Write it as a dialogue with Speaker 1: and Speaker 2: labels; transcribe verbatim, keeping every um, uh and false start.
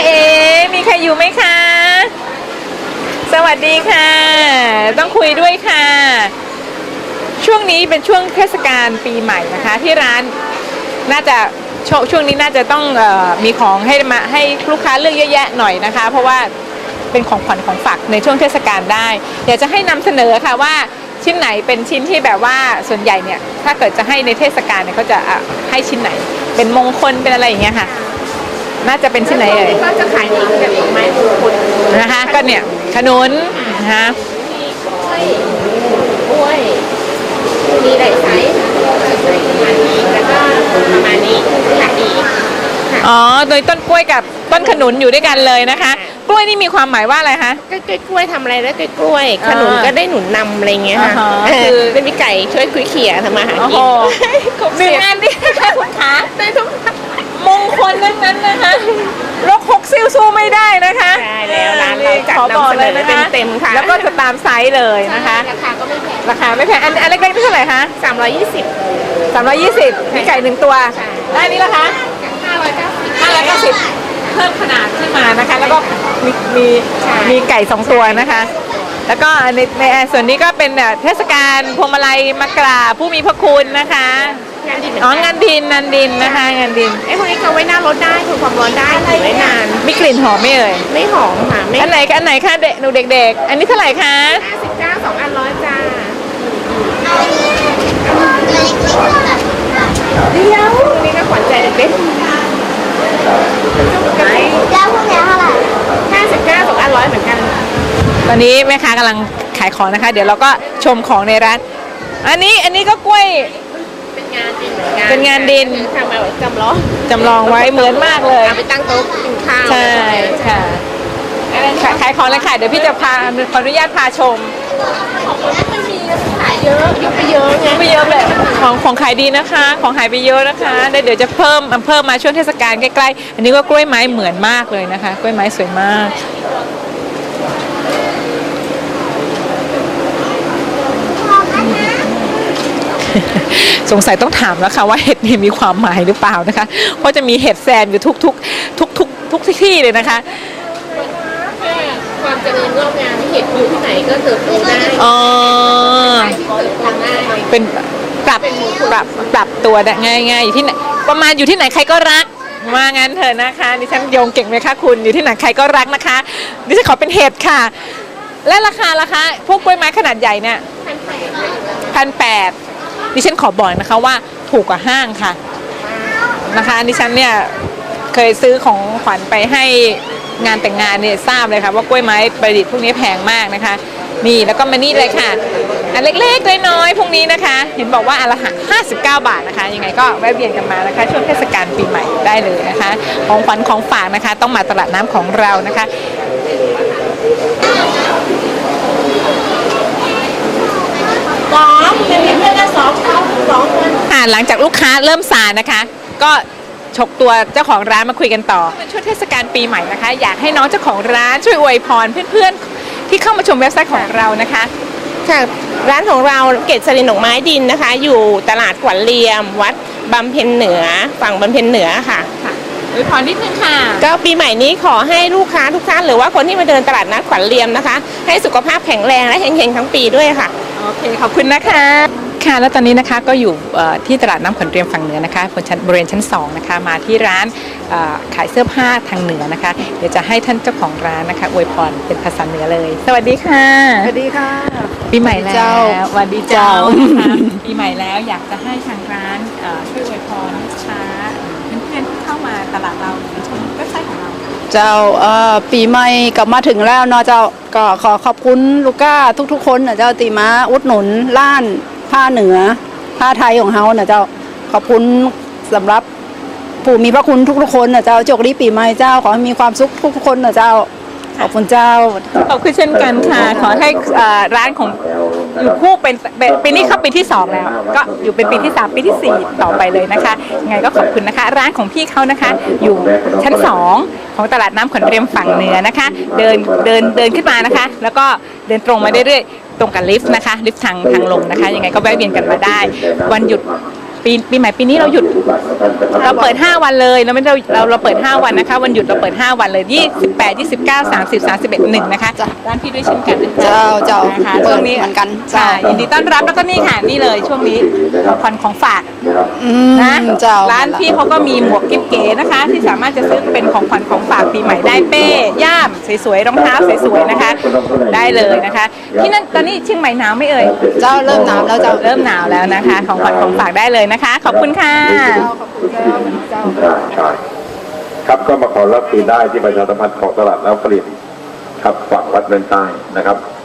Speaker 1: เอ๋มีใครอยู่ไหมคะสวัสดีค่ะต้องคุยด้วยค่ะช่วงนี้เป็นช่วงเทศกาลปีใหม่นะคะที่ร้านน่าจะช่วงนี้น่าจะต้องเอ่อมีของให้มาให้ลูกค้าเลือกเยอะแยะหน่อยนะคะเพราะว่าเป็นของขวัญของฝากในช่วงเทศกาลได้อยากจะให้นำเสนอค่ะว่าชิ้นไหนเป็นชิ้นที่แบบว่าส่วนใหญ่เนี่ยถ้าเกิดจะให้ในเทศกาลเนี่ยเขาจะให้ชิ้นไหนเป็นมงคลเป็นอะไรอย่างเงี้ยค่ะน่าจะเป็นชิ้นไหนเอ่ย
Speaker 2: ก็จะขายดีกันเองไม้มงคล
Speaker 1: นะคะก็เนี่ยขนุนนะคะ
Speaker 2: มีกล้วยกล้วยมีหลายไซส์ประมาณนี้แล้วก็ประมาณนี้ขายดี
Speaker 1: อ๋อโดยต้นกล้วยกับต้นขนุนอยู่ด้วยกันเลยนะคะกล้วยนี่มีความหมายว่าอะไรคะ
Speaker 2: ก็กล้วยทำอะไรแล้วกล้วยขนุนก็ได้หนุนนำอะไรเงี้ยค่ะ
Speaker 1: คือ
Speaker 2: ได้มีไก่ช่วยคุยเขี่ยทำมาหากิน
Speaker 1: หนึ่งงานดีค่ะคุณขาได้ทุกมงคลนั้นนั้นนะคะรกหกซิ่วสู้ไม่ได้นะคะ
Speaker 2: ใช่แล้วร้านเราจัดนำเสนอเต็มๆค่ะ
Speaker 1: แล้วก็จะตามไซส์เลยนะคะ
Speaker 2: ราคาก็ไม่แพง
Speaker 1: ราคาไม่แพงอันอันเล็กๆนี่เท่าไหร่คะ
Speaker 2: สามร้อยยี่สิบ
Speaker 1: สามร้อยยี่สิบมีไก่หนึ่งตัวได้นี่ละคะ
Speaker 2: ห้าร้อยเก้าสิบ
Speaker 1: ห้าร้อยเก้าสิบเพิ่มขนาดขึ้นมานะคะแล้วก็มีมีมีไก่สองตัวนะคะแล้วก็ในในส่วนนี้ก็เป็นเทศกาลพวงมาลัยมากราบผู้มีพระคุณนะคะ
Speaker 2: งานดิน
Speaker 1: อ๋องานดินงานดินนะคะงานดิน
Speaker 2: ไอ้พวกนี้เขาไว้หน้ารถได้ทนความร้อนได้ถือไว้นาน
Speaker 1: มีกลิ่นหอมไหมเอ่ย
Speaker 2: ไม่หอมค่ะ
Speaker 1: อันไหนอันไหนคะเด็กหนูเด็กๆอันนี้เท่าไหร่คะ
Speaker 2: ห้าสิบเก้าสองอันร้อยจ้าเดี๋ยวนี่ก็ขวัญใจเด็ก
Speaker 3: เจ้าพวกนี้เท่าไหร่
Speaker 2: ห้าสิบเก้าสองอันร้อยเหมือนกัน
Speaker 1: ตอนนี้แม่ค้ากำลังขายของนะคะเดี๋ยวเราก็ชมของในร้านอันนี้อันนี้ก็กล้วย
Speaker 2: เป็นงานดิน
Speaker 1: เป็นงานดิน
Speaker 2: ทำมาไว้จำลอง
Speaker 1: จำลองไว้เหมือนมากเลย
Speaker 2: เอาไปตั้งโต๊ะกินข้าว
Speaker 1: ใช่ค่ะขายของเลยค่ะเดี๋ยวพี่จะพาขออนุญาตพาชม
Speaker 2: ของไม่มีขายเยอะยุบไปเยอะไง
Speaker 1: ไปเยอะเลยของของขายดีนะคะของหายไปเยอะนะคะเดี๋ยวจะเพิ่มเพิ่มมาช่วงเทศกาลใกล้ๆอันนี้ก็กล้วยไม้เหมือนมากเลยนะคะกล้วยไม้สวยมากสงสัยต้องถามแล้วค่ะว่าเห็ดนี่มีความหมายหรือเปล่านะคะเพราะจะมีเห็ดแซมอยู่ทุกทุกทุกทุกทุกที่เลยนะคะ
Speaker 2: ความเจริญงอกงามเห็ดอยู่ที่ไหนก็เติบโตได้
Speaker 1: อ๋อ
Speaker 2: ที่เติบโตได้
Speaker 1: เป็นปรับปรับปรับตัวได้ง่ายๆอยู่ที่ไหนประมาณอยู่ที่ไหนใครก็รักว่างั้นเถอะนะคะดิฉันโยงเก่งไหมคะคุณอยู่ที่ไหนใครก็รักนะคะดิฉันขอเป็นเห็ดค่ะและราคาราคาพวกกล้วยไม้ขนาดใหญ่เนี่ยพันแปดดิฉันขอบอกนะคะว่าถูกกว่าห้างค่ะนะคะดิฉันเนี่ยเคยซื้อของขวัญไปให้งานแต่งงานเนี่ยทราบเลยค่ะว่ากล้วยไม้ประดิษฐ์พวกนี้แพงมากนะคะนี่แล้วก็มานี่เลยค่ะอันเล็กๆน้อยๆพวกนี้นะคะเห็นบอกว่าอันละห้าสิบเก้าบาทนะคะยังไงก็แวะเวียนกันมานะคะช่วงเทศกาลปีใหม่ได้เลยนะคะของขวัญของฝากนะคะต้องมาตลาดน้ำของเรานะคะ
Speaker 2: สองเป็นเพื่อนกันสองสองคน
Speaker 1: ค่ะหลังจากลูกค้าเริ่มซานะคะก็ฉกตัวเจ้าของร้านมาคุยกันต่อช่วงเทศกาลปีใหม่นะคะอยากให้น้องเจ้าของร้านช่วยอวยพรเพื่อนๆที่เข้ามาชมเว็บไซต์ของเรานะคะ
Speaker 2: ค่ะร้านของเราเกศรินดอกไม้ดินนะคะอยู่ตลาดขวัญเรียมวัดบำเพ็ญเหนือฝั่งบำเพ็ญเหนือค่ะ
Speaker 1: อวยพรนิดนึงค่ะ
Speaker 2: ก็ปีใหม่นี้ขอให้ลูกค้าทุกท่านหรือว่าคนที่มาเดินตลาดนัดขวัญเรียมนะคะให้สุขภาพแข็งแรงและเฮงๆทั้งปีด้วยค่ะ
Speaker 1: โอเคขอบคุณนะคะค่ะแล้วตอนนี้นะคะก็อยู่ที่ตลาดน้ำขวัญเรียมฝั่งเหนือนะคะบนชั้นบริเวณชั้นสองนะคะมาที่ร้านขายเสื้อผ้าทางเหนือนะคะเดี๋ยวจะให้ท่านเจ้าของร้านนะคะอวยพรเป็นภาษาเหนือเลยสวัสดีค่ะ
Speaker 4: สวัสดีค่ะ
Speaker 1: ปีใหม่แล้วสวัสดีเจ้าปีใหม่แล้วอยากจะให้ทางร้านช่วยอวยพรลูกค้าเพื่อนๆที่เข้ามาตลาดเราหรือชมเว็บไซต์ของเรา
Speaker 4: เจ้าปีใหม่กลับมาถึงแล้วเนาะเจ้าก็ขอขอบคุณลูก้าทุกๆคนนะเจ้าตีมาอุดหนุนล้านผ้าเหนือผ้าไทยของเฮานะเจ้าขอบคุณสำหรับผู้มีพระคุณทุกๆคนนะเจ้าโชคดีปีใหม่เจ้าขอให้มีความสุขทุกๆคนนะเจ้าขอบคุณเจ้า
Speaker 1: ขอบคุณเช่นกันค่ะขอให้ร้านของอยู่คู่เป็นปีนี้เข้าปีที่สองแล้วก็อยู่เป็นปีที่สามปีที่สี่ต่อไปเลยนะคะยังไงก็ขอบคุณนะคะร้านของพี่เขานะคะอยู่ชั้นสองของตลาดน้ำขวัญเรียมฝั่งเหนือนะคะเดินเดินเดินขึ้นมานะคะแล้วก็เดินตรงมาเรื่อยๆตรงกับลิฟต์นะคะลิฟต์ทางทางลงนะคะยังไงก็แวะเวียนกันมาได้วันหยุดปีปีใหม่ปีนี้เราหยุดเราเปิดห้าวันเลยเราไม่ได้เราเราเปิดห้าวันนะคะวันหยุดเราเปิดห้าวันเลยยี่สิบแปด ยี่สิบเก้า สามสิบ สามสิบเอ็ด หนึ่งนะคะร้านพี่ด้วยเช่นกันนะคะ
Speaker 4: เจ้าเจ้า
Speaker 1: นะคะ
Speaker 4: เปิ
Speaker 1: ช่
Speaker 4: ด
Speaker 1: วงนี้
Speaker 4: เหมือนกัน
Speaker 1: ค่ะ
Speaker 4: เจ้า
Speaker 1: ยินดีต้อนรับแล้วก็นี่ค่ะนี่เลยช่วงนี้ผ่อนของฝาก
Speaker 4: อืม
Speaker 1: นะ
Speaker 4: เจ้า
Speaker 1: ร้านพี่เขาก็มีหมวกกิ๊บเก๋นะคะ ที่สามารถจะซื้อเป็นของขวัญของฝากปีใหม่ได้เป้ย่ามสวยๆรองเท้าสวยๆนะคะ ได้เลยนะคะ ที่นั่นตอนนี้เชียงใหม่หนาวไหม่เอ่ย
Speaker 4: เจ้าเริ่มหนาวแล้วเจ้า
Speaker 1: เริ่มหนาวแล้วนะคะ ของขวัญของฝากได้เลยนะคะ ขอบคุณค่ะ
Speaker 5: ใช่ครับก็มาขอรับคืนได้ที่ประชาสัมพันธ์ของตลาดแล้วผลิตครับฝั่งวัดเนินใต้นะครับ